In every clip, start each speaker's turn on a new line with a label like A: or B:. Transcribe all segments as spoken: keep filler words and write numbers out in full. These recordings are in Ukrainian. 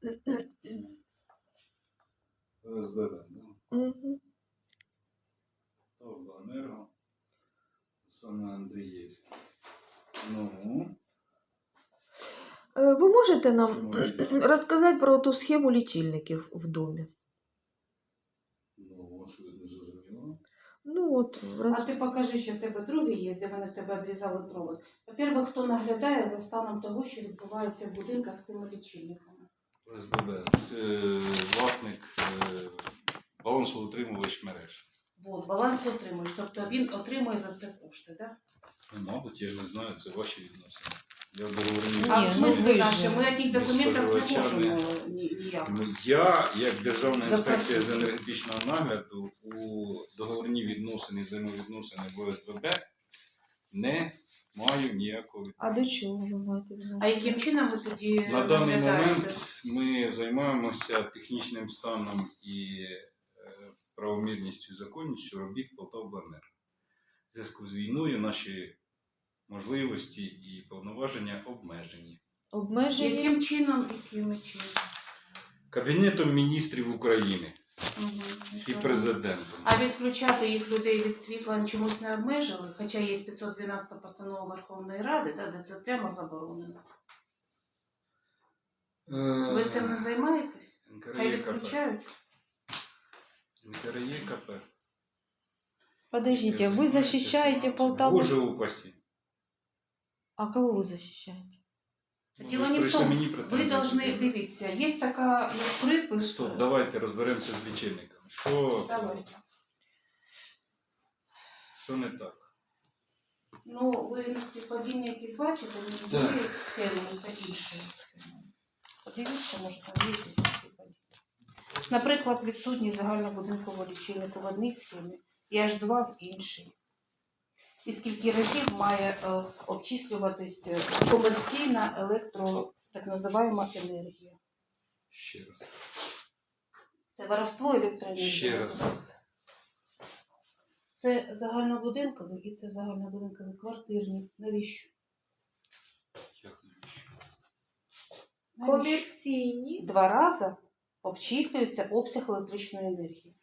A: ОСББ, да?
B: Угу.
A: Обленерго. Саме Андрієвський. Ну,
B: Ви можете нам
A: що ми робимо?
B: розказати про ту схему лічильників в домі?
A: Ну, що ви не зрозуміло?
B: Ну, от, роз...
C: А ти покажи, що в тебе другий є, де вони в тебе відрізали провод. По-перше, хто наглядає за станом того, що відбувається в будинках з тими лічильниками?
A: ОСББ. Е, Власник е, балансоутримувач мереж.
C: От, баланс отримуєш, тобто він отримує за це кошти, так?
A: Ну, мабуть, я ж не знаю, це ваші відносини. Я договорю.
C: А
B: Ні,
C: в
B: ну,
C: смислі
B: ви ж-
C: наші, ми тих
A: ми
C: документах не
A: споживачами.
C: можемо ні- ніяк.
A: Ну, я, як Державна інспекція з
C: Запросити.
A: енергетичного нагляду, у договорні відносини, взаємовідносини в ОСББ не маю ніякого
B: А
A: відношення.
B: до чого ви маєте відношення?
C: А яким чином ви тоді
A: На даний
C: наглядаєте?
A: момент ми займаємося технічним станом і е, правомірністю і законністю робіт Полтавобленерго. В зв'язку з війною наші можливості і повноваження обмежені.
B: Обмеження?
C: Яким чином, якими чином?
A: Кабінетом міністрів України
C: Угу.
A: і президентом.
C: А відключати їх людей від світла чомусь не обмежили, хоча є п'ятсот дванадцята постанова Верховної Ради, да, де це прямо заборонено. Ви цим не займаєтесь? Хай відключають.
A: НКРЕКП.
B: Подождите, вы защищаете Полтаву?
A: Боже упаси.
B: А кого вы защищаете?
A: Ну,
C: Діло
A: ви ж
C: не в
A: прийшли
C: тому,
A: мені
C: ви
A: претензії
C: повинні,
A: пред'являти.
C: дивіться, є така як припис.
A: Стоп, давайте розберемося з лічильником. Що,
C: Давайте.
A: що не так?
C: Ну, ви на співпадіння якісь бачите, між
A: Так.
C: однією схемою та іншою схемою. Подивіться, може там є якісь співпадіння. Наприклад, відсутність загальнобудинкового лічильника в одній схемі і аж два в іншій. І скільки разів має е, обчислюватись е, комерційна електро, так називаємо енергія.
A: Ще раз.
C: Це воровство електроенергії.
A: Ще раз.
C: називається. Це загальнобудинковий і це загальнобудинковий квартирний. Навіщо?
A: Як навіщо?
C: Навіщо?
B: Комерційні.
C: Два рази обчислюється обсяг електричної енергії.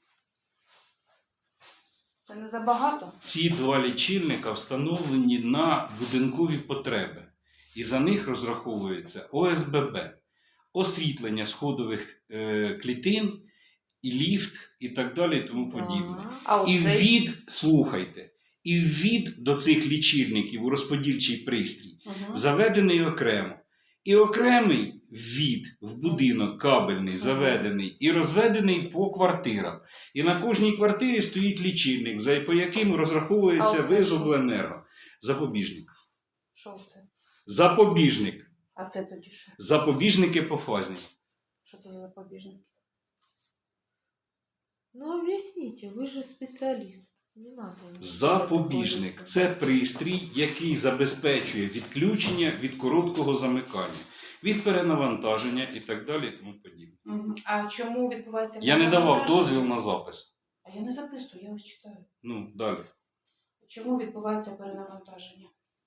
C: Це не забагато?
A: Ці два лічильника встановлені на будинкові потреби. І за них розраховується ОСББ, освітлення сходових е, клітин, і ліфт, і так далі, і тому подібне.
C: А
A: І
C: оцей...
A: ввід, слухайте, і ввід до цих лічильників у розподільчий пристрій
C: Угу.
A: заведений окремо. І окремий ввід в будинок кабельний заведений і розведений по квартирам. І на кожній квартирі стоїть лічильник, за по яким розраховується
C: А оце
A: виз
C: що?
A: обленерго. Запобіжник.
C: Що це?
A: Запобіжник.
C: А це тоді що?
A: Запобіжники пофазні.
C: Що це за запобіжник?
B: Ну, объясните, вы же специалист. Не надо.
A: Запобіжник – це пристрій, який забезпечує відключення від короткого замикання, від перенавантаження і так далі і тому подібне.
C: Угу. А чому відбувається...
A: Я не давав
C: перенавантаження?
A: дозвіл на запис.
C: А я не записую, я ось читаю.
A: Ну, далі.
C: Чому відбувається перенавантаження?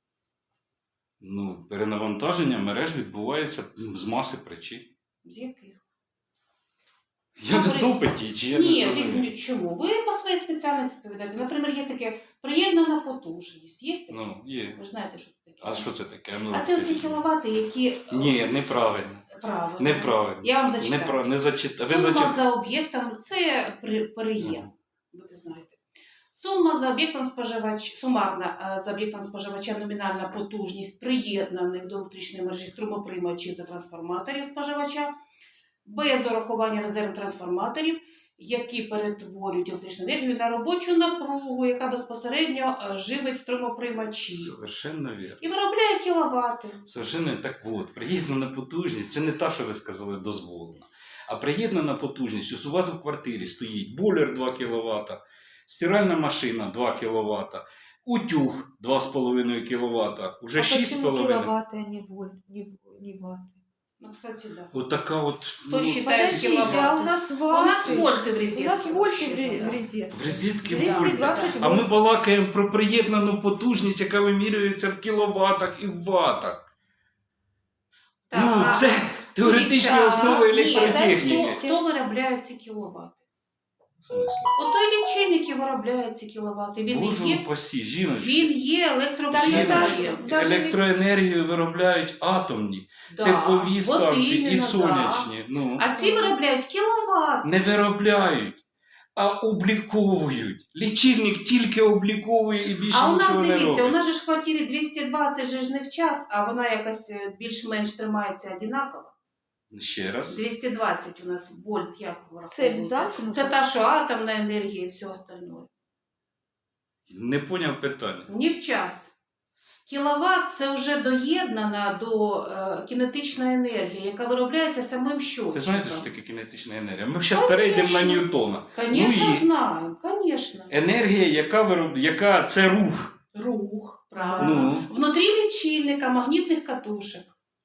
A: Ну, перенавантаження мереж відбувається з маси причин.
C: З яких?
A: Я не
C: Напри-
A: допиті, чи я
C: Ні,
A: не зрозумів.
C: ні, чому? Ви по своїй спеціальності відповідаєте. Наприклад, є таке приєднана потужність. Є таке?
A: Ну, є.
C: Ви ж знаєте, що це таке.
A: А що це таке? Ну,
C: А це оці
A: скажіть.
C: кіловати, які...
A: Ні, неправильно.
C: Правильно.
A: Неправильно.
C: Я вам зачитаю.
A: Непра... Не зачита... Ви
C: Сума
A: зачитали.
C: за об'єктом – це при- переєм. Ви це знаєте. Сума за об'єктом споживач... Сумарна е, за об'єктом споживача номінальна потужність приєднаних до електричної мережі струмоприймачів та трансформаторів споживача без урахування резервних трансформаторів, які перетворюють електричну енергію на робочу напругу, яка безпосередньо е, живить струмоприймачі.
A: Совершенно вірно.
C: І виробляє кіловати.
A: Совершенно так от. Приєднана потужність – це не та, що ви сказали, дозволена. А приєднана потужність, ось у вас в квартирі стоїть бойлер два кіловата, стиральна машина два кіловата, утюг два з половиною кіловата, уже
B: А
A: шість з
B: почему
A: половиною.
B: киловатты, а не, воль, не, не ватты?
C: Ну, кстати, да.
A: От така от...
C: Хто считає
B: Подождите,
C: киловатты?
B: а у нас ватты.
C: У нас вольти в розетці.
B: У нас вольты в
C: вообще-то,
B: ре-
C: да.
B: в розетке.
A: В розетки
B: двести
A: вольти.
B: двадцать
A: А ми
B: вольт.
A: балакаємо про приєднану потужність, яка вимірюється в кіловатах і в ватах.
C: Так,
A: Ну,
C: а-
A: це, Теоретичні
C: Дивіться,
A: основи
C: ні,
A: електротехніки.
C: Хто, хто виробляє ці кіловати?
A: В смислі?
C: Ото і лічильники виробляють ці кіловати. Він не
A: Боже
C: є,
A: упасі, жіночки.
C: він є
B: Та не
C: електроприладом.
B: даже-
A: Електроенергію виробляють атомні,
C: Да,
A: теплові
C: от
A: станції
C: іменно,
A: і
C: да.
A: сонячні. Ну,
C: А ці виробляють кіловат.
A: не виробляють, а обліковують. Лічильник тільки обліковує і більше
C: А у нас,
A: нічого не
C: дивіться, у
A: робить.
C: нас же ж в квартирі двісті двадцять же ж не в час, а вона якась е, більш-менш тримається однаково.
A: Ще раз.
C: двісті двадцять у нас вольт, як
B: Цепь
C: враховується?
B: замкнута.
C: Це та, що атомна енергія і все остальное.
A: Не поняв питання.
C: Не в час. Кіловат – це вже доєднана до е, кінетична енергія, яка виробляється самим щотчиком.
A: Ти знаєте, що таке кінетична енергія? Ми зараз перейдемо на Ньютона.
C: Звісно,
A: Ну і-
C: знаємо, звісно.
A: Енергія, яка вироб... яка це рух.
C: Рух, правильно.
A: Ну,
C: Внутрі лічильника магнітних катушек.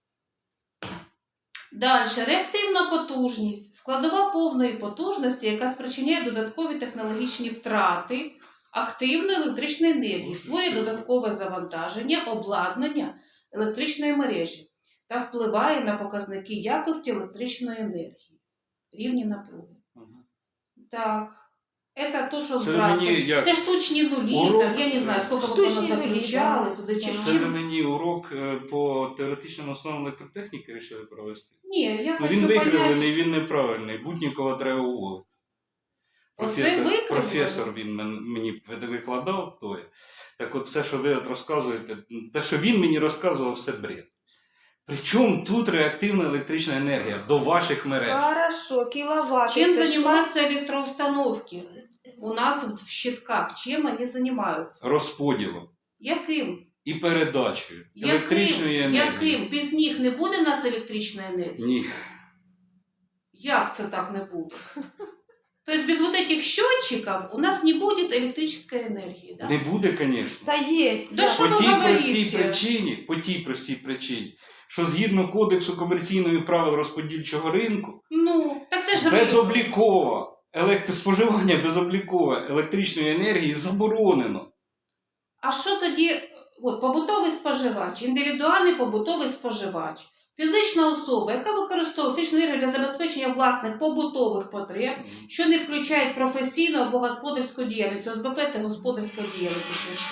C: Далі. Реактивна потужність. Складова повної потужності, яка спричиняє додаткові технологічні втрати активної електричної енергії, створює додаткове завантаження, обладнання електричної мережі та впливає на показники якості електричної енергії, рівні напруги.
A: Ага.
C: Так. Це то, що
A: Це
C: збрасує.
A: мені як
C: Це штучні нулі,
A: урок.
C: там, я не знаю, скільки ви
B: Штучні
C: воно
B: нулі,
C: заключали
B: да.
C: туди чи
B: Так.
A: це ви
C: чим.
A: мені урок е, по теоретичним основам електротехніки вирішили провести.
C: Ні, я
A: Ну,
C: хочу
A: він
C: понять.
A: викривлений, він неправильний. Буднікова треба уволити.
C: Оце
A: Професор,
C: викривлено?
A: професор він мен- мені викладав тоє. Так от все, що ви от розказуєте, те, що він мені розказував, все бред. Причому тут реактивна електрична енергія до ваших мереж.
B: Хорошо, киловатт.
C: Чим
B: это
C: займаються електроустановки? У нас в щитках чим вони займаються?
A: Розподілом
C: Яким?
A: і передачею електричної
C: Яким?
A: енергії.
C: Яким? Без них не буде в нас електричної енергії?
A: Ні.
C: Як це так не буде? Тобто без вот этих счетчиков у нас не будет электрической энергии, да?
A: Не буде, звісно.
B: Да есть.
C: Да
B: да.
C: что
A: По
C: вы
A: тій
C: говорите?
A: простій причині, по тій простій причині, що згідно Кодексу комерційної правил розподільчого ринку,
C: Ну, так це ж ринок.
A: безоблікове електроспоживання безоблікове електричної енергії заборонено.
C: А що тоді, от побутовий споживач, індивідуальний побутовий споживач, фізична особа, яка використовує фізичну енергію для забезпечення власних побутових потреб, що не включають професійну або господарську діяльність. ОСББ – це господарська діяльність.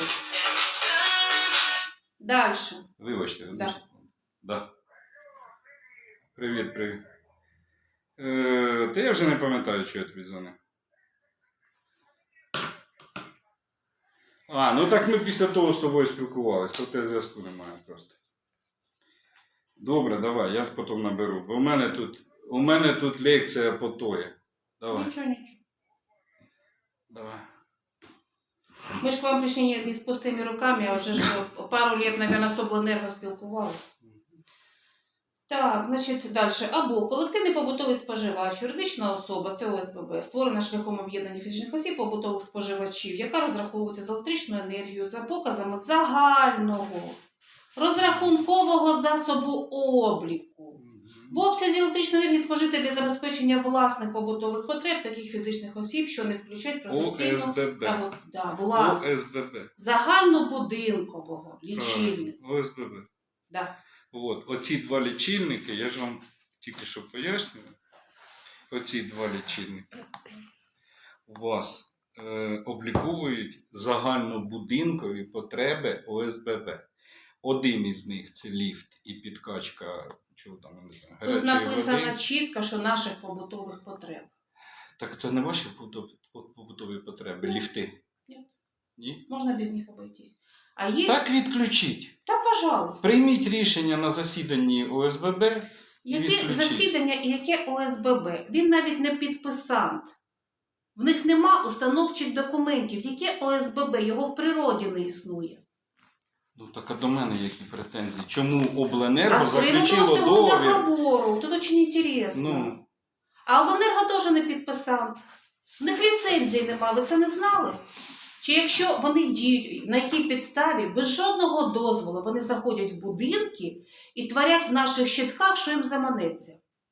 C: Далі.
A: Вибачте, одну
C: Да.
A: секунду. Да. Привіт, привіт. Е, та я вже не пам'ятаю, що я тобі дзвонив. А, ну так ми після того з тобою спілкувалися, то те зв'язку немає просто. Добре, давай, я потім наберу. Бо у мене тут, у мене тут лекція по тої. Давай,
C: Нічого, нічого.
A: давай.
C: Ми ж к вам прийшли не, не з пустими руками, а вже ж пару лет, наверное, з обленерго спілкувалися. Так, значить, далі. Або колективний побутовий споживач, юридична особа, це ОСББ, створена шляхом об'єднання фізичних осіб побутових споживачів, яка розраховується з електричною енергією за показами загального розрахункового засобу обліку. В обсязі електричної енергії спожити для забезпечення власних побутових потреб таких фізичних осіб, що не включають професійну
A: ОСББ.
C: та гос- да, власну
A: ОСББ.
C: загальнобудинкового лічильника.
A: Правильно, ОСББ.
C: Да.
A: От, оці два лічильники, я ж вам тільки що пояснюю. Оці два лічильники у вас е, обліковують загальнобудинкові потреби ОСББ. Один із них це ліфт і підкачка, чого там, не знаю,
C: Тут
A: гарячої
C: написано
A: води.
C: чітко, що наших побутових потреб.
A: Так це не ваші побутові- побутові потреби,
C: Ні.
A: ліфти?
C: Ні.
A: Ні?
C: Можна без них обойтись. А є...
A: Так відключіть.
C: Та, пожалуйста.
A: Прийміть рішення на засіданні ОСББ.
C: Яке
A: відключіть.
C: засідання і яке ОСББ? Він навіть не підписант. В них нема установчих документів. Яке ОСББ? Його в природі не існує.
A: Ну так а до мене які претензії? Чому Обленерго
C: А з приводу
A: заключило
C: цього
A: договір?
C: договору, тут дуже інтересно.
A: Ну,
C: А Обленерго теж не підписант. В них ліцензії немає, ви це не знали? Чи якщо вони діють, на якій підставі, без жодного дозволу вони заходять в будинки і творять в наших щитках, що їм заманеться?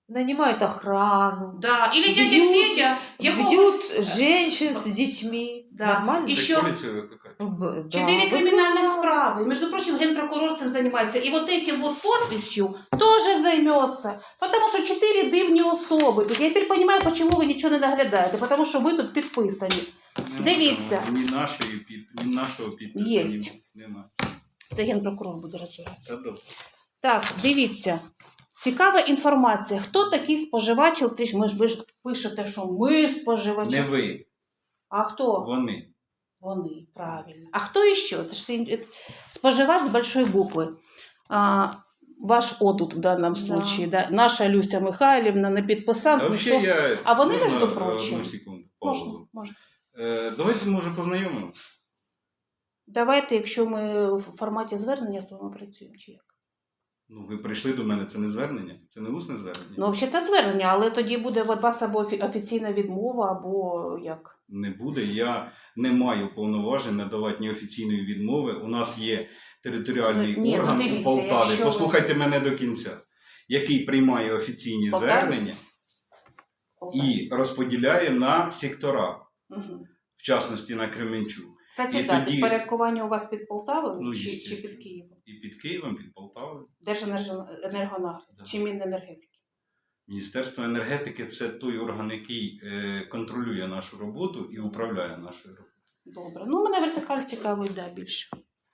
B: Нанимают охрану.
C: Да. Или дядя
B: Бьют-
C: Федя, якогось...
B: Бьют женщин с детьми.
C: Да.
B: Нормально?
C: И
A: Так
C: Еще-
A: поліція викликає.
B: Б- да,
C: Четыре криминальных
B: выкликала.
C: справы. Между прочим, генпрокурор цим занимается. И вот этим вот подписью тоже займется. Потому что четыре дивні особи. Я теперь понимаю, почему ви нічого не наглядаєте. Потому що ви тут підписані.
A: Нема
C: Дивіться.
A: там Ні нашої під, ні нашого підпису.
C: Єсть.
A: Ні, нема.
C: Це генпрокурор буде розбиратися.
A: Це добре.
C: Так, дивіться. Цікава інформація. Хто такий споживач електричний? Ми ж ви ж пишете, що ми споживачі.
A: Не ви,
C: А хто?
A: вони.
C: Вони, правильно. А хто іще? Це ж всі- споживач з большої букви. А, ваш одут в даному
B: Да.
C: случае, да. Наша Люся Михайлівна не підписала.
A: А,
C: ніхто-
A: взагалі, я,
C: А вони,
A: можна,
C: між
A: е,
C: прочим,
A: одну секунду,
C: Можна,
A: паузу?
C: можна.
A: Е, давайте, може, познайомимо.
C: Давайте, якщо ми в форматі звернення з вами працюємо, чи як?
A: Ну, ви прийшли до мене, це не звернення, це не усне звернення.
C: Ну, взагалі, звернення, але тоді буде від вас або офі- офіційна відмова, або як?
A: Не буде. Я не маю повноважень надавати ні офіційної відмови. У нас є територіальний
C: Ну, ні, ну,
A: орган
C: дивіться,
A: у Полтаві.
C: якщо ви-
A: Послухайте мене до кінця, який приймає офіційні
C: Полтаві?
A: звернення і розподіляє на сектора,
C: Угу.
A: в частності на Кременчук.
C: Кстати,
A: І
C: так,
A: тоді-
C: підпорядкування у вас під Полтавою
A: Ну,
C: чи, чи
A: естественно.
C: під Києвом?
A: І під Києвом, під Полтавою.
C: Держенергонагляд
A: Да.
C: чи Міненергетики?
A: Міністерство енергетики – це той орган, який е, контролює нашу роботу і управляє нашою роботою.
C: Добре. Ну, мене вертикаль цікавить, да, більше,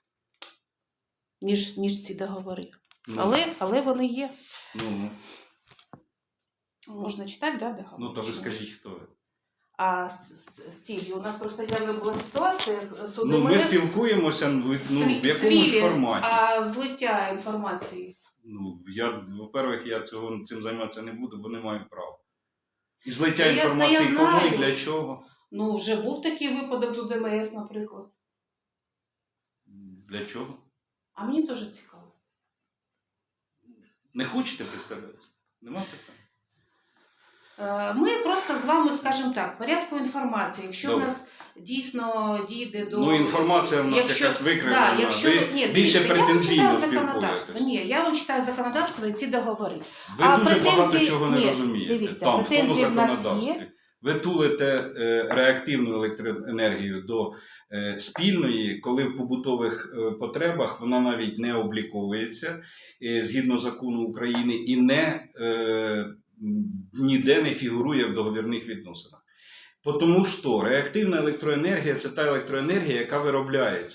C: ніж, ніж ці договори.
A: Ну,
C: Але, але вони є.
A: ну,
C: Можна читати, да, договори?
A: ну, то ви
C: Чи ні?
A: скажіть, хто ви.
C: А з, з, з ціллю, у нас просто явно була ситуація, суди
A: Ну, ми
C: МНС
A: спілкуємося ну,
C: слі-
A: в якомусь
C: слілі,
A: форматі.
C: А злиття інформації.
A: Ну, я, во-первых, я цього, цим займатися не буду, бо не маю права. І злиття
C: Це я- це я
A: інформації кому і
C: знаю.
A: для чого?
C: Ну, вже був такий випадок з УДМС, наприклад.
A: Для чого?
C: А мені теж цікаво.
A: Не хочете представлятися? Нема питань.
C: Е, Ми просто з вами, скажімо так, в порядку інформації. Якщо
A: Добре.
C: в нас дійсно дійде до...
A: Ну, інформація в нас
C: Якщо-
A: якась викривлена.
C: Да, якщо
A: ви
C: ви- ні,
A: більше
C: дивіться,
A: претензійно
C: я вам читаю законодавство.
A: спілкуєтесь.
C: Ні, я вам читаю законодавство і ці договори.
A: Ви
C: А
A: дуже
C: претензії-
A: багато чого не
C: ні,
A: розумієте.
C: дивіться,
A: Там, в тому
C: претензії в нас є.
A: законодавстві. Ви тулите е, реактивну електроенергію до е, спільної, коли в побутових е, потребах вона навіть не обліковується е, згідно закону України і не, е, м, ніде не фігурує в договірних відносинах. Тому що реактивна електроенергія – це та електроенергія, яка виробляється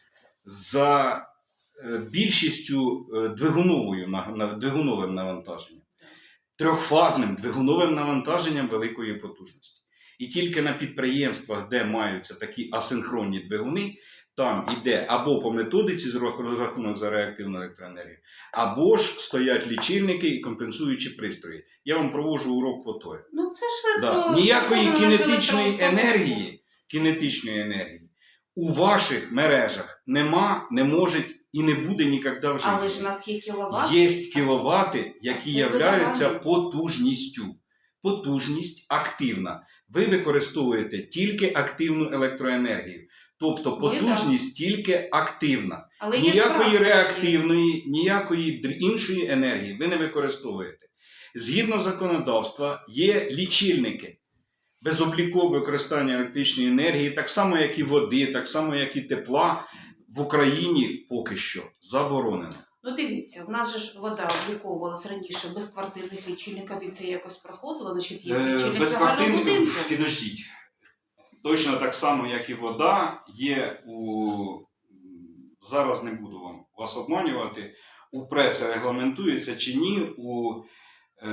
A: за е, більшістю е, двигуновою, на- на- двигуновим навантаженням. Трьохфазним двигуновим навантаженням великої потужності. І тільки на підприємствах, де маються такі асинхронні двигуни, там іде або по методиці з рах- розрахунок за реактивну електроенергію, або ж стоять лічильники і компенсуючі пристрої. Я вам проводжу урок по той.
C: Ну, це швидко.
A: Да. Ніякої
C: схоже на нашу
A: кінетичної
C: електроустановку.
A: енергії, кінетичної енергії у ваших мережах нема, не може і не буде ніколи в житті.
C: Але ж у нас є кіловат.
A: Є кіловати, які
C: Це
A: являються
C: здорово.
A: потужністю. Потужність активна. Ви використовуєте тільки активну електроенергію. Тобто
C: Ви
A: потужність тільки активна.
C: Але є
A: Ніякої
C: справді.
A: реактивної, ніякої др- іншої енергії ви не використовуєте. Згідно законодавства є лічильники безоблікове використання електричної енергії, так само, як і води, так само, як і тепла, в Україні поки що заборонено.
C: Ну, дивіться, в нас же ж вода обліковувалась раніше без квартирних лічильників, і це якось проходило, значить є
A: Е,
C: лічильник загального
A: Безквартирних,
C: будинку.
A: підождіть. Точно так само, як і вода, є у... Зараз не буду вам вас обманювати, у ПРЕ регламентується чи ні, у е,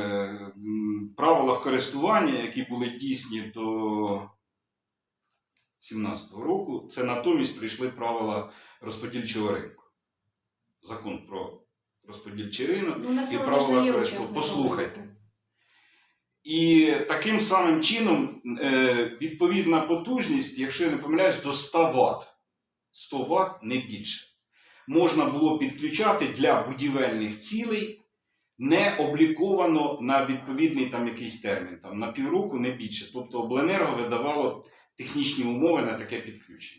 A: м, правилах користування, які були дійсні до сімнадцятого року, це натомість прийшли правила розподільчого ринку. Закон про розподільчий ринок
C: Ну,
A: і
C: населення ж
A: правила
C: не є
A: користування.
C: учасником
A: Послухайте.
C: ринку.
A: І таким самим чином е, відповідна потужність, якщо я не помиляюсь, до ста ватт. сто ватт не більше. Можна було підключати для будівельних цілей, не обліковано на відповідний там якийсь термін, там, на півроку не більше. Тобто обленерго видавало технічні умови на таке підключення.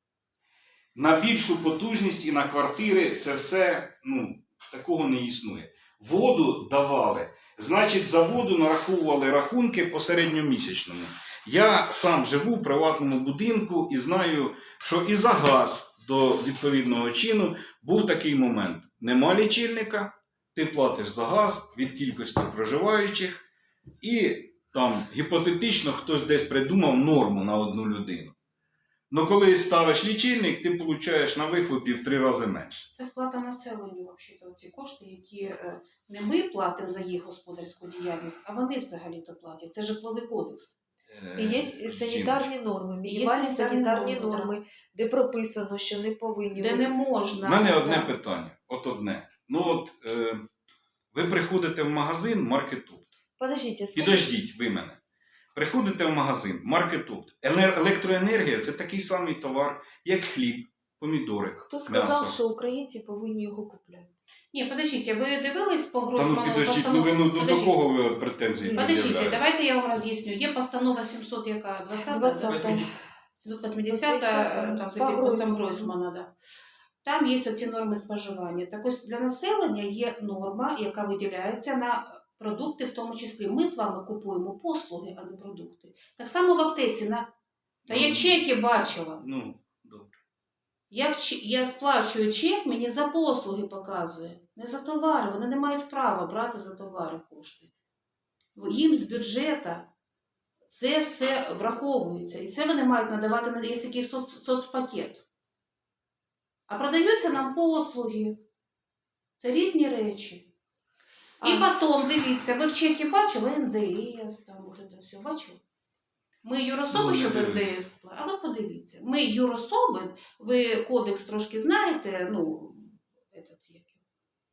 A: На більшу потужність і на квартири це все, ну, такого не існує. Воду давали Значить, заводу нараховували рахунки по середньомісячному. Я сам живу в приватному будинку і знаю, що і за газ до відповідного чину був такий момент. Нема лічильника, ти платиш за газ від кількості проживаючих, і там гіпотетично хтось десь придумав норму на одну людину. Ну коли ставиш лічильник, ти получаєш на вихлопі в три рази менше.
C: Це сплата населенню, взагалі, ці кошти, які е, не ми платимо за їх господарську діяльність, а вони взагалі-то платять. Це житловий кодекс.
B: І є
A: Е,
B: санітарні норми,
C: Є
B: мінімальні
C: санітарні
B: санітарні
C: норми,
B: норми, де прописано, що не повинні
C: Де
B: бути.
C: не можна.
A: У мене одне
C: Да.
A: питання. От одне. Ну от е, ви приходите в магазин Маркетопт.
B: Подождіть, скажіть,
A: Підождіть ви мене. Приходите в магазин Маркетопт. Еле- Електроенергія це такий самий товар, як хліб, помідори,
B: хто сказав,
A: м'ясо.
B: що українці повинні його купляти?
C: Ні, подождіть, ви дивились по
A: Та ну
C: Гройсману
A: підождіть, ну ви ну, ну, до
C: Подождіть.
A: кого ви претензії
C: Подождіть,
A: пред'являєте?
C: давайте я вам роз'ясню. Є постанова сімсот, яка двадцята,
B: двадцята.
C: сімсот вісімдесята, там за
B: По
C: підписом
B: Гройсману.
C: Гройсмана, да. Там є оці норми споживання. Так ось для населення є норма, яка виділяється на продукти, в тому числі. Ми з вами купуємо послуги, а не продукти. Так само в аптеці. На... Та я
A: Ну,
C: чеки бачила.
A: Ну, добре.
C: Я, в... ч- я сплачую чек, мені за послуги показує. Не за товари. Вони не мають права брати за товари кошти. Їм з бюджету це все враховується. І це вони мають надавати, на- є такий соц... соцпакет. А продаються нам послуги. Це різні речі. І
B: А.
C: потім, дивіться, ви в чекі бачили ен де ес, там от це все бачили? Ми юрособи,
A: Ну, не
C: щоб ен де
A: дивився.
C: ес, а ви подивіться. Ми юрособи, ви кодекс трошки знаєте, ну, этот, як його,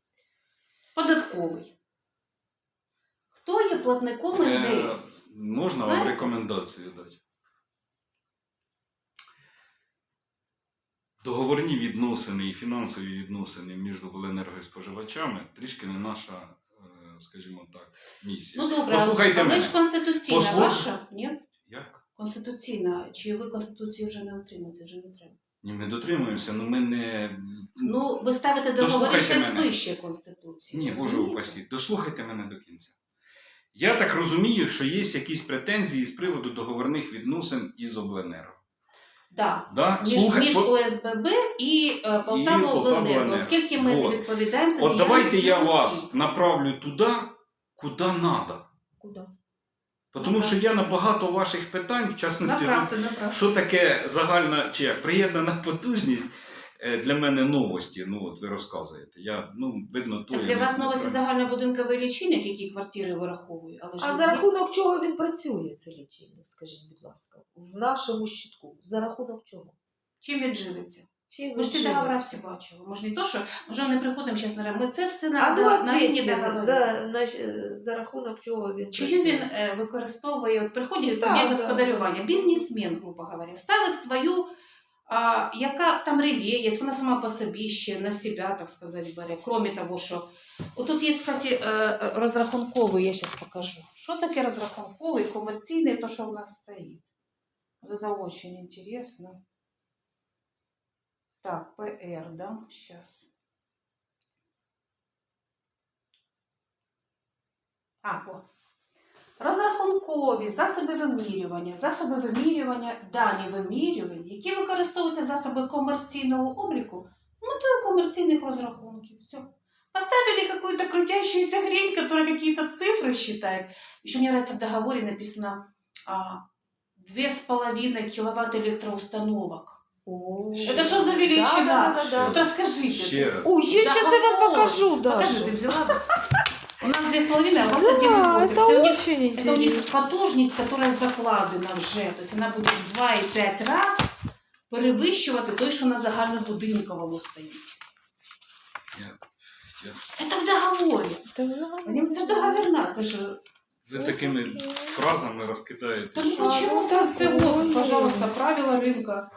C: податковий. Хто є платником ен де
A: Е,
C: ес?
A: Можна
C: Знаєте?
A: вам рекомендацію дати? Договорні відносини і фінансові відносини між обленерго і споживачами трішки не наша, е, скажімо так, місія.
C: Ну добре,
A: Послухайте
C: але
A: мене.
C: ж конституційна
A: Послух-
C: ваша, ні?
A: Як?
C: Конституційна. Чи ви Конституцію вже не отримаєте, вже не треба?
A: Ні, ми дотримуємося, але ми не...
C: Ну, ви ставите договори
A: Дослухайте
C: ще
A: мене.
C: вище Конституції.
A: Ні, Боже
C: розумієте?
A: упасі. Дослухайте мене до кінця. Я так розумію, що є якісь претензії з приводу договорних відносин із обленерго.
C: Да.
A: Да?
C: Між,
A: Слухай,
C: між
A: по-
C: О С Б Б і е, Полтава
A: Полтава
C: Обленерго,
A: Обленерго.
C: оскільки ми
A: Вот.
C: не відповідаємо за
A: От давайте
C: діяльність
A: я
C: усіх.
A: вас направлю туди, куди треба.
B: Куди?
A: Тому що я на багато ваших питань, в частності,
C: Направте, направте.
A: що таке загальна чи як, приєднана потужність, е, для мене новості. Ну, от ви розказуєте. Я, ну, видно, то
C: Так
A: я
C: для
A: не-
C: вас
A: не
C: новості
A: правильно.
C: загальнобудинковий лічильник, які квартири вираховує. Але ж
B: А
C: він
B: за
C: є.
B: рахунок чого він працює, цей лічильник, скажіть, будь ласка, в нашому щитку? За рахунок чого?
C: Чим він живиться?
B: Чим
C: Ми ж ці
B: він
C: договори
B: живиться?
C: всі бачили. Може не то, що може не приходимо зараз на ми це все на,
B: А ну
C: на, на рівні
B: ответьте,
C: договорів.
B: за, на, за рахунок чого він
C: Чию
B: працює?
C: він е, використовує, от приходить
B: Так,
C: суб'єкт
B: так.
C: господарювання, бізнесмен, грубо говоря, ставить свою, а, яка там реле є, вона сама по собі ще на себе, так сказати, бере. Кроме того, що... От тут є, кстати, е, розрахунковий, я зараз покажу. Що таке розрахунковий, комерційний, то, що в нас стоїть. Вот это очень интересно. Так, П Р, да, сейчас. А, о. Розрахункові засоби вимірювання, засоби вимірювання, дані вимірювань, які використовуються засоби комерційного обліку з метою комерційних розрахунків. Все. Поставили какую-то крутящуюся хрень, которая какие-то цифры считает. Еще мне нравится в договоре написано а, две с половиной киловатт электроустановок.
B: О,
C: Это что за величина?
B: Да, да, да, да.
C: Вот расскажите.
A: Ще раз.
B: Ой, я сейчас я вам
C: Договор.
B: покажу, да.
C: Покажи, ты взяла? У нас две с половиной, а у вас
B: Да,
C: один и восемь.
B: это
C: Это у них-
B: очень
C: Это у них
B: интересно.
C: потужність, которая закладена вже. Тобто вона буде в два і п'ять раз перевищувати той, що на загальнобудинковому стоїть.
A: Я- я-
C: Це в договорі.
B: Да.
C: Це ж договірна, це ж...
A: Ви такими фразами розкидаєте,
C: Та ну
A: що...
C: почему це все? От, пожалуйста, правила ринка.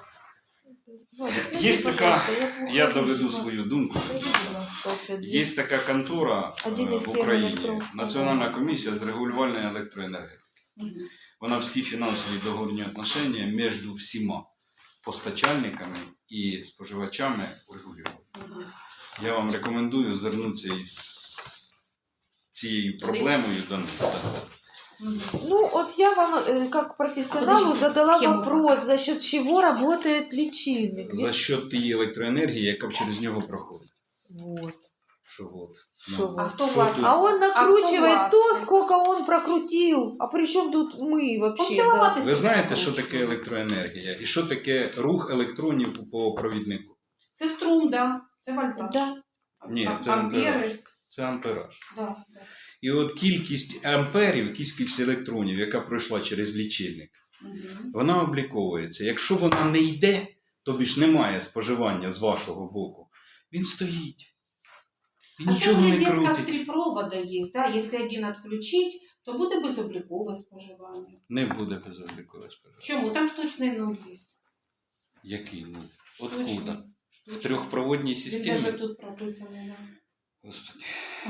A: Є така, я доведу свою думку.
B: Є.
A: Є така контора е,
B: Один із
A: в
B: семи
A: Україні,
B: електронних
A: Національна комісія з регулювальної електроенергетики. Вона всі фінансові договірні отношення між всіма постачальниками і споживачами регулює. Я вам рекомендую звернутися із цією проблемою до них. Так.
C: Мгм.
B: Ну, вот я вам, э, как профессионалу,
C: подождите,
B: задала
C: схему
B: вопрос, за счет чего работает лечильник.
A: За що тієї електроенергії, яка через нього проходить.
B: Вот.
A: Що от.
B: Що
A: Ну,
B: от?
C: А хто
A: що
C: власник?
A: тут?
B: А он накручивает
C: А
B: то,
C: кто
B: сколько он прокрутил. А при чем тут мы вообще?
C: Он
B: Да?
C: кіловати
A: Ви знаєте,
C: собі
A: що
C: накручує.
A: таке електроенергія і що таке рух електронів по провіднику?
C: Це струм, да. Це вольтаж.
B: Да.
A: Ні,
C: А-
A: це
C: ампери.
A: ампераж. Це ампераж.
C: Да, да.
A: І от кількість амперів, кількість електронів, яка пройшла через лічильник,
C: Мгм.
A: вона обліковується. Якщо вона не йде, тобі ж немає споживання з вашого боку, він стоїть. І
C: А це ж
A: нічого не
C: розетка в
A: крутить.
C: три провода є, да? Якщо один відключить, то буде безоблікове споживання.
A: Не буде безоблікове споживання.
C: Чому? Там штучний нуль є.
A: Який? Ну,
C: Штучний.
A: откуда? В
C: Штучний.
A: трьохпроводній
C: Він
A: системі?
C: навіть тут прописаний. Да.
A: Господи.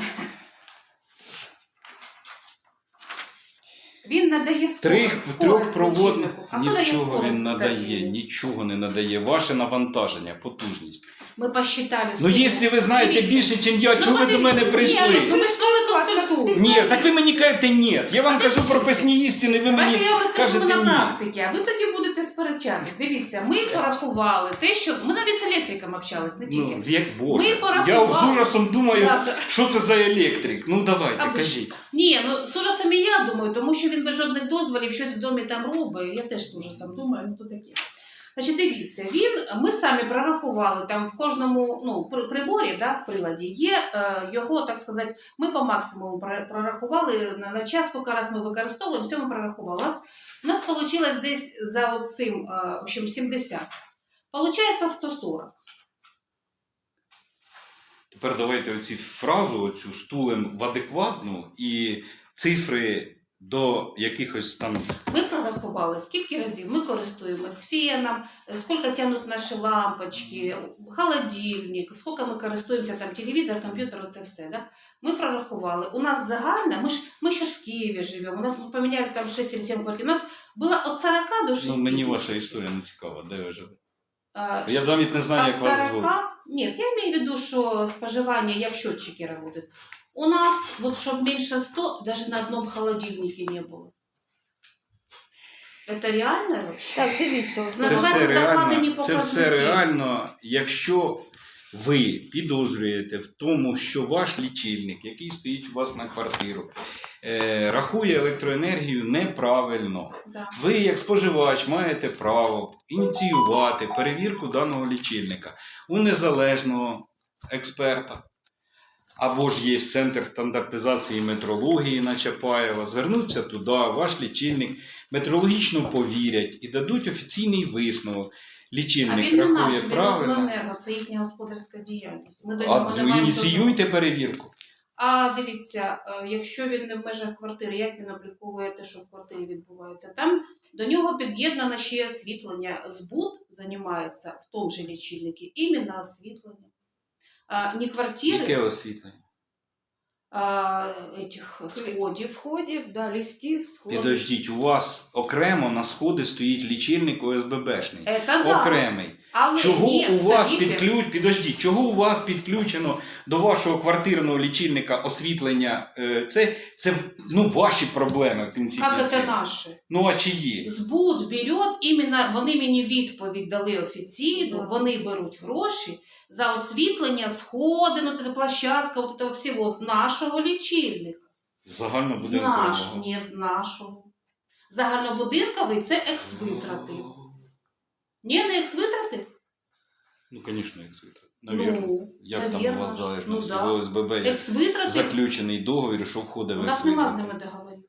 C: Він надає скорость.
A: Трьох,
C: скорость
A: трьохпроводних
C: лічильнику. А хто дає
A: нічого
C: скорость,
A: він
C: кстати,
A: надає,
C: йому?
A: нічого не надає. Ваше навантаження, потужність.
C: Ми посчитали.
A: Ну,
C: скорость.
A: якщо ви знаєте
C: Дивіться.
A: більше, ніж я,
C: Ну,
A: чого ви до мене
C: подивіться.
A: прийшли?
C: Ні, ну, ми ж з вами консультуємо.
A: Ні, так ви мені кажете ні. Я вам
C: А
A: кажу
C: ти
A: про
C: що?
A: писні істини, ви мені
C: Давайте я вам розкажу
A: кажете
C: на
A: ні.
C: практиці, а ви тоді будете сперечатись. Дивіться, ми порахували те, що... Ми навіть з електриком общались, не тільки.
A: Ну, як Боже.
C: Ми порахували.
A: Я з ужасом думаю,
C: Правда.
A: що це за електрик. Ну давайте,
C: А ви ж-
A: кажіть.
C: Ні, ну з ужасом і я думаю, тому що він без жодних дозволів щось в домі там робить. Я теж з ужасом думаю, ну то таке. Значить, дивіться, він, ми самі прорахували, там в кожному ну, при- приборі, да, в приладі, є е, його, так сказати, ми по максимуму пр- прорахували на, на час, скільки раз ми використовуємо, все ми прорахували. У нас, у нас вийшло десь за оцим, е, в общем, сімдесят. Получається сто сорок.
A: Тепер давайте оці фразу, оцю стулем в адекватну і цифри до якихось там.
C: Ми прорахували, скільки разів ми користуємось феном, скільки тягнуть наші лампочки, холодильник, скільки ми користуємося там телевізор, комп'ютер, це все. Да? Ми прорахували. У нас загально, ми ж, ми ще ж в Києві живемо, у нас ми поміняли там шість чи сім квартир, у нас було від сорока до шістдесят.
A: Ну, мені ваша історія не цікава, де ви живете?
C: А,
A: Я навіть не знаю,
C: от
A: як вас звуть.
C: сорока, нет, я имею в виду, что споживание, як счетчики работают. У нас, вот чтобы меньше ста, даже на одном холодильнике не было. Это реально вообще?
B: Так, дивіться.
A: Це
C: Називається
A: все,
C: закладені
A: реально, це все
C: показники.
A: реально, якщо ви підозрюєте в тому, що ваш лічильник, який стоїть у вас на квартиру, е, рахує електроенергію неправильно.
C: Да.
A: Ви, як споживач, маєте право ініціювати перевірку даного лічильника у незалежного експерта. Або ж є Центр стандартизації метрології на Чапаєва. Звернуться туди, ваш лічильник метрологічно повірять і дадуть офіційний висновок.
C: А
A: Лічильник
C: він не наш,
A: рахує
C: він
A: правильно.
C: обленерго, це їхня господарська діяльність. Ми до
A: А
C: нього не
A: ви
C: маємо
A: ініціюйте
C: жодного-
A: перевірку.
C: А дивіться, е, якщо він не в межах квартири, як він обліковує те, що в квартирі відбувається? Там до нього під'єднано ще освітлення. Збут займається в тому же лічильнику іменно освітлення. А, не квартири,
A: Яке освітлення?
C: а, этих сходів.
B: Входів, да, ліфтів, сходів.
A: Підождіть, у вас окремо на сходи стоїть лічильник О С Б Б-шний.
C: Это да.
A: Окремий.
C: Але
A: Чого
C: ні,
A: у вас
C: тарифи.
A: підключ... Підождіть, чого у вас підключено до вашого квартирного лічильника освітлення? Е, Це, це ну, ваші проблеми в кінці
C: Як
A: кінців.
C: це наші?
A: Ну а чиї?
C: Збут берет, іменно вони мені відповідь дали офіційно,
B: Да.
C: вони беруть гроші за освітлення, сходи, ну, та площадка, вот этого всього з нашого лічильника. З
A: Загальнобудинкового.
C: нашого, ні, з нашого. Загальнобудинковий – це екс-витрати. Ні, не екс-витрати?
A: Ну, звісно, як світло. Навірно.
C: Ну,
A: Як там у
C: навірно
A: вас
C: ж.
A: залежно
C: Ну,
A: з
C: да.
A: О С Б Б, як
C: Екс-витрати,
A: заключений договір, що входить
C: у
A: в
C: нас нема з
A: екс-витрати?
C: ними договорів.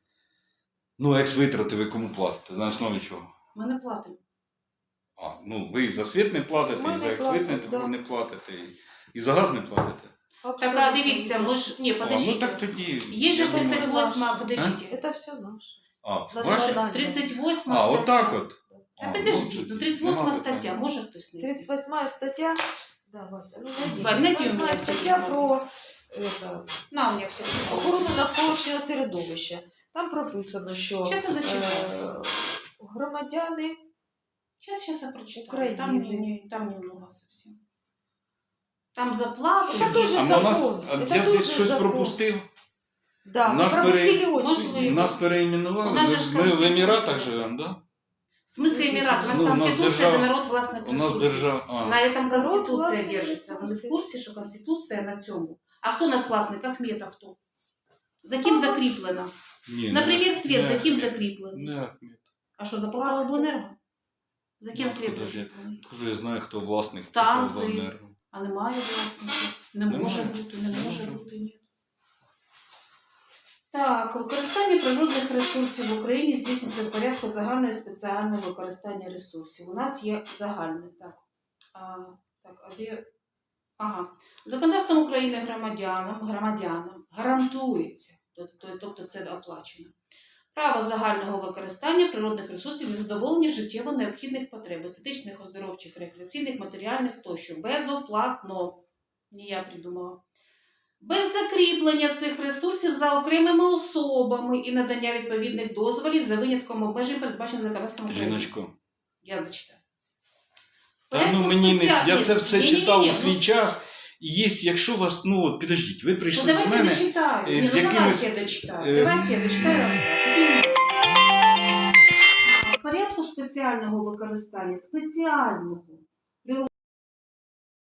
A: Ну, екс-витрати ви кому платите? На основі чого?
C: Ми не платимо.
A: А, ну, ви і за світ не платите,
B: Ми
A: і за
B: не
A: екс-вит не,
B: платимо, да.
A: не платите, і, і за газ не платите.
C: Так, а дивіться, ми ж... Ні,
A: А, ну
C: подождіть.
A: так тоді...
C: Є же
A: я
C: ж
A: думаю-
C: тридцять восьма, подождіть.
B: Це все наше.
A: А,
B: За
A: ваше?
B: завдання.
C: тридцать восьма
A: А,
C: стаття.
A: отак от.
C: Та
A: А,
C: підождіть,
A: ну,
C: ну
A: тоді
C: тридцять восьма
A: нема
C: стаття,
A: питань.
C: може хтось не
B: тридцать восьмая стаття. Давайте, ну,
C: Вадь,
B: найдіть.
C: найди у мене
B: тридцать восьмая стаття
C: телефон.
B: про это,
C: На, у мене все.
B: охорону навколишнього середовища. Там прописано, що
C: Щас я зачитаю.
B: е, громадяни
C: Сейчас, сейчас я прочитаю.
B: Украины.
C: Там, не, не, там немного совсем. Там заплаты.
B: Это тоже
A: А
C: есть.
A: на нас,
B: закон.
A: а
B: Це
A: я
B: дуже
A: десь щось
B: закон.
A: пропустив.
B: Да, ми
A: Нас
B: пропустили
A: пере-
B: очі.
C: Можливо.
A: Нас переименували,
C: У нас же ж
A: ми, ми в
C: Конституція.
A: Еміратах живемо, да?
C: В смысле Эмират? У нас
A: Ну, у нас
C: Конституция,
A: держава-
C: это народ властных
A: У нас
C: ресурсов.
A: держава. А.
C: На этом
B: Народ
C: Конституция
B: власних
C: держится. Ви не в
B: ресурсів.
C: курсі, що Конституція на цьому? А хто у нас власник? Ахмета хто? За ким закріплено?
A: Ні,
C: Наприклад, світ
A: не
C: за ким
A: Ахмед.
C: закріплено?
A: Не Ахмед.
C: А що, за
B: А
C: Полтавобленерго? За ким
A: Ну,
C: світ
A: подожди.
C: закріплений?
A: Кажу, я знаю, хто власник
C: Станції.
A: Полтавобленерго.
C: А немає власників? Не
A: Немає.
C: може бути, не
A: Не
C: може
A: може
C: бути, ні. Так, використання природних ресурсів в Україні здійснюється в порядку загального і спеціального використання ресурсів. У нас є загальне, так. А, так, а де? Ага. Законодавством України громадянам, громадянам гарантується, тобто, тобто це оплачено, право загального використання природних ресурсів для задоволення життєво необхідних потреб, естетичних, оздоровчих, рекреаційних, матеріальних тощо, безоплатно. Не я придумала. Без закріплення цих ресурсів за окремими особами і надання відповідних дозволів за винятком обмежень, передбачених законодавством України.
A: Жіночко.
C: Я дочитаю.
A: Та ну мені не. Я це все
C: Ні-ні-ні,
A: читав у
C: ну,
A: свій час. І є, якщо вас, ну от підождіть, ви
C: Ну,
A: прийшли до
C: давайте я
A: мене.
C: дочитаю.
A: е,
C: Ні,
A: з
C: ну,
A: якимось,
C: давайте я дочитаю.
A: е,
C: Давайте я дочитаю. В порядку спеціального використання, спеціального